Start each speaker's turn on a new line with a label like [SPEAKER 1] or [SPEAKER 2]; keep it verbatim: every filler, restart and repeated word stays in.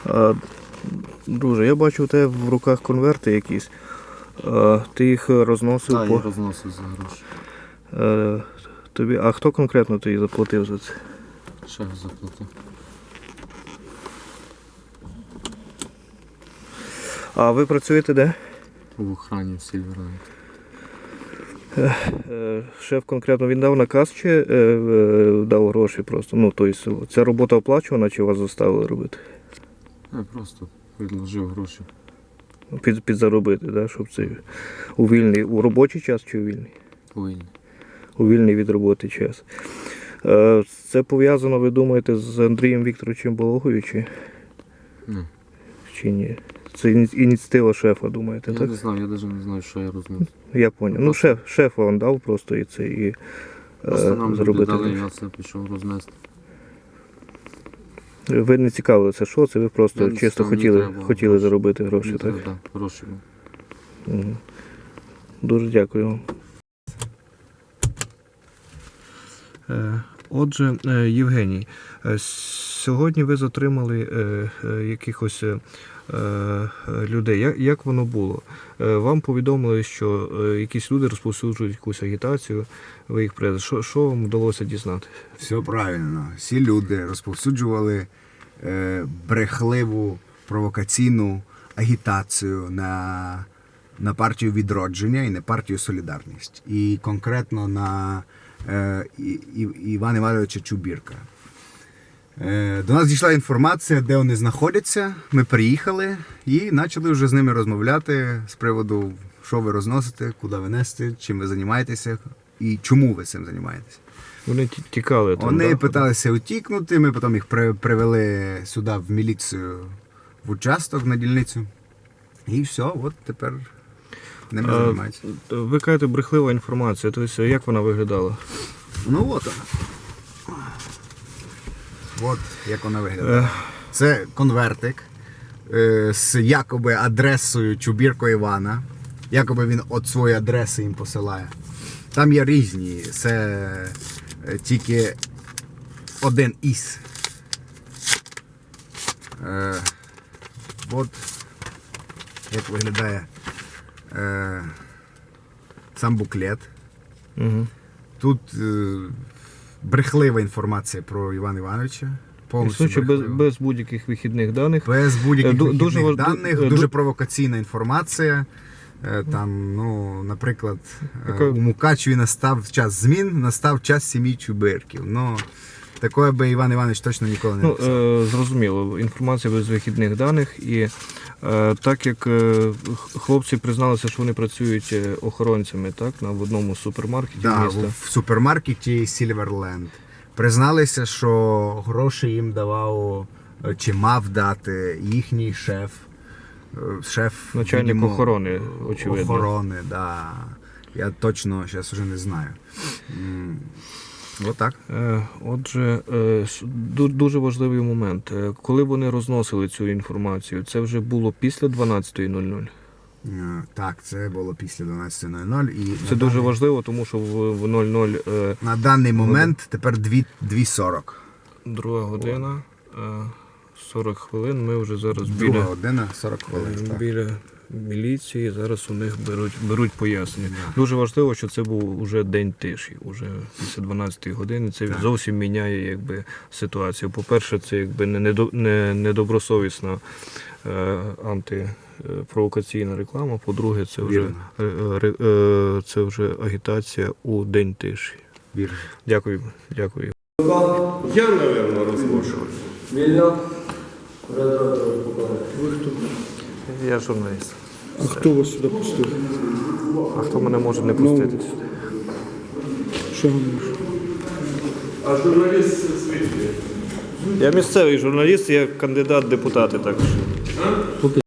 [SPEAKER 1] А, друже, я бачу у тебе в руках конверти якісь. А, ти їх розносив
[SPEAKER 2] Так,
[SPEAKER 1] по...
[SPEAKER 2] я розносив за гроші.
[SPEAKER 1] А, тобі... а хто конкретно тобі заплатив за це?
[SPEAKER 2] Шеф заплатив.
[SPEAKER 1] А ви працюєте де?
[SPEAKER 2] В охрані в Сільверленд.
[SPEAKER 1] Е, Шеф конкретно він дав наказ чи е, е, дав гроші просто? Ну, тобто, ця робота оплачувана чи вас заставили робити?
[SPEAKER 2] Я просто відложив гроші.
[SPEAKER 1] Під, підзаробити, да? Щоб це у вільний, у робочий час чи у вільний?
[SPEAKER 2] Повільно.
[SPEAKER 1] У вільний від роботи час. Е, Це пов'язано, ви думаєте, з Андрієм Вікторовичем Балогою чи,
[SPEAKER 2] Не.
[SPEAKER 1] чи ні? Це іні- ініціатива шефа, думаєте,
[SPEAKER 2] Я
[SPEAKER 1] так?
[SPEAKER 2] не знаю, я навіть не знаю, що я розносив.
[SPEAKER 1] Я зрозумів. Ну, шеф, шефа він дав просто і це, і
[SPEAKER 2] Просто
[SPEAKER 1] е,
[SPEAKER 2] нам люди
[SPEAKER 1] заробити.
[SPEAKER 2] дали,
[SPEAKER 1] гроші.
[SPEAKER 2] я це пішов рознести.
[SPEAKER 1] Ви не цікавилися, що це, ви просто
[SPEAKER 2] Я не
[SPEAKER 1] чисто
[SPEAKER 2] цікав, мені
[SPEAKER 1] хотіли,
[SPEAKER 2] треба
[SPEAKER 1] хотіли
[SPEAKER 2] гроші.
[SPEAKER 1] заробити гроші,
[SPEAKER 2] Мені
[SPEAKER 1] так?
[SPEAKER 2] треба, да, гроші.
[SPEAKER 1] Угу. Дуже дякую вам. Отже, Євгеній, сьогодні ви затримали якихось людей. Як, як воно було? Вам повідомили, що якісь люди розповсюджують якусь агітацію, ви їх прес. Що, що вам вдалося дізнати?
[SPEAKER 3] Все правильно. Всі люди розповсюджували е, брехливу провокаційну агітацію на, на партію «Відродження» і на партію «Солідарність». І конкретно на е, І, І, Івана Івановича Чубірка. Е, до нас дійшла інформація, де вони знаходяться. Ми приїхали і почали вже з ними розмовляти з приводу, що ви розносите, куди ви несете, чим ви займаєтеся і чому ви цим займаєтеся.
[SPEAKER 1] Вони ті- тікали там,
[SPEAKER 3] Вони
[SPEAKER 1] да?
[SPEAKER 3] питалися утікнути, ми потім їх при- привели сюди в міліцію, в участок на дільницю. І все, от тепер ними
[SPEAKER 1] А,
[SPEAKER 3] займаються.
[SPEAKER 1] Ви кажете, брехлива інформація. Тобто, як вона виглядала?
[SPEAKER 3] Ну от вона. От як вона виглядає. Це конвертик е, з якоби адресою Чубірко Івана. Якоби він от свої адреси їм посилає. Там є різні. Це е, тільки один із. Е, от як виглядає е, сам буклет.
[SPEAKER 1] Угу.
[SPEAKER 3] Тут е, брехлива інформація про Івана Івановича. Повністю
[SPEAKER 1] Існуючи без,
[SPEAKER 3] брехлива.
[SPEAKER 1] без будь-яких вихідних даних.
[SPEAKER 3] Без будь-яких
[SPEAKER 1] Ду-
[SPEAKER 3] вихідних
[SPEAKER 1] дуже важ-
[SPEAKER 3] даних,
[SPEAKER 1] ду-
[SPEAKER 3] дуже
[SPEAKER 1] ду-
[SPEAKER 3] провокаційна інформація. Е, Там, ну, наприклад, е,
[SPEAKER 1] Яка-
[SPEAKER 3] у Мукачеві настав час змін, настав час сім'ї Чубирків. Ну, такое би Іван Іванович точно ніколи не
[SPEAKER 1] Ну,
[SPEAKER 3] написав.
[SPEAKER 1] е, зрозуміло, інформація без вихідних даних. І е, так як е, х- хлопці призналися, що вони працюють е, охоронцями, так, на в одному з супермаркетів
[SPEAKER 3] Да,
[SPEAKER 1] міста.
[SPEAKER 3] в супермаркеті Сільверленд. Призналися, що гроші їм давав е, чи мав дати їхній шеф. Е, Шеф
[SPEAKER 1] Начальник
[SPEAKER 3] відомо,
[SPEAKER 1] охорони, очевидно.
[SPEAKER 3] Охорони, да. Я точно зараз вже не знаю. М, Отак.
[SPEAKER 1] Е, Отже, е, с- ду- дуже важливий момент. Е, Коли вони розносили цю інформацію, це вже було після дванадцятої нуль нуль.
[SPEAKER 3] Е, Так, це було після дванадцятої нуль нуль. І
[SPEAKER 1] Це
[SPEAKER 3] на
[SPEAKER 1] дуже
[SPEAKER 3] даний-
[SPEAKER 1] важливо, тому що в в нуль нуль е,
[SPEAKER 3] На даний момент тепер дві сорок.
[SPEAKER 1] друга година, е, сорок хвилин. Ми вже зараз
[SPEAKER 3] Друга
[SPEAKER 1] біля,
[SPEAKER 3] година, сорок хвилин.
[SPEAKER 1] е,
[SPEAKER 3] так.
[SPEAKER 1] біля міліції. Зараз у них беруть, беруть пояснення. Дуже важливо, що це був уже день тиші, уже після дванадцятої години. Це
[SPEAKER 3] Так.
[SPEAKER 1] зовсім міняє якби, ситуацію. По-перше, це якби не, недо- не, недобросовісна е, антипровокаційна реклама. По-друге, це вже,
[SPEAKER 3] Вірно.
[SPEAKER 1] е, е, ре- е, це вже агітація у день тиші.
[SPEAKER 3] Вірно.
[SPEAKER 1] Дякую. Дякую.
[SPEAKER 4] Я, наверное, разношу.
[SPEAKER 5] Вільно. Радіатор покладає.
[SPEAKER 4] Ви хто?
[SPEAKER 1] Я журналіст.
[SPEAKER 4] А хто вас сюди пустив?
[SPEAKER 1] А хто мене може не пустити сюди?
[SPEAKER 4] Що ви можете?
[SPEAKER 6] А журналіст звідки?
[SPEAKER 1] Я місцевий журналіст, я кандидат в депутати також.